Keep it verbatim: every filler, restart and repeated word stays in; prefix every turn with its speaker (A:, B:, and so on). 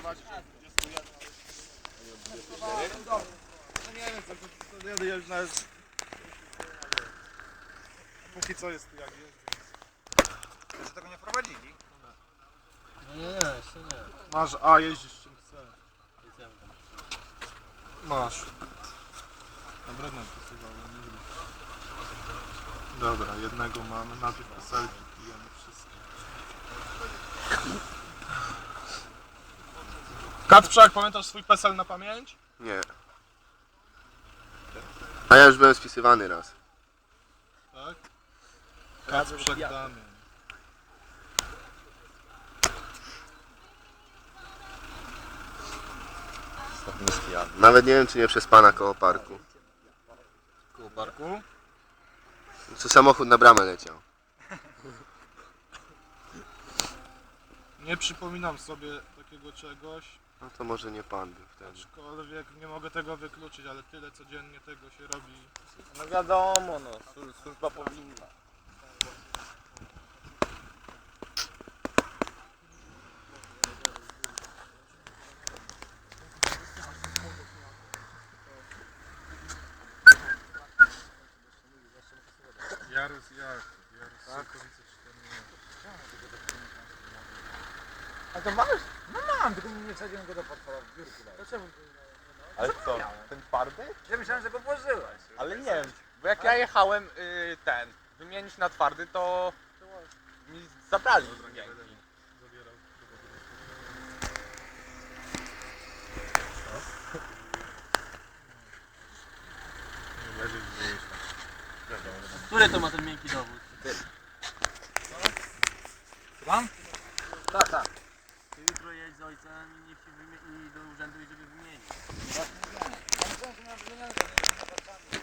A: macie dwadzieścia jeden. No nie wiem, co to już nawet... Póki co jest tu jak jest, więc...
B: Jeszcze tego nie prowadzili?
C: No nie, nie, jeszcze nie.
A: Masz, a jeździsz czym chcesz. Masz. Dobra, no posuwałem, nie wiem. Dobra, jednego mamy, najpierw peselki pijemy wszystko. Kacprzak, pamiętasz swój pesel na pamięć?
D: Nie. A ja już byłem spisywany raz.
A: Tak? Kacprzak Damian.
D: Nawet nie wiem, czy nie przez pana koło parku.
A: Koło parku?
D: Co samochód na bramę leciał.
A: Nie przypominam sobie takiego czegoś,
D: No to może nie pan był wtedy.
A: aczkolwiek nie mogę tego wykluczyć, ale tyle codziennie tego się robi.
C: No wiadomo, no, służ- służba powinna.
A: Jarus jak? Jarus Sokowice czternaście.
B: A to masz? No mam, tylko nie wsadziłem go do portfela w biurku. To czemu?
C: Ale co, ten twardy?
B: Ja myślałem, że go włożyłeś.
C: Ale nie wiem, bo jak ja jechałem y, ten, wymienić na twardy, to mi zabrali miękki.
A: Zabierał. Nie leży gdzieś tam.
E: Który to ma ten miękki dowód?
B: Mam? Tak, tak.
E: Ty jutro jedź z ojcem i niech się wymie- i do urzędu i żeby wymienić.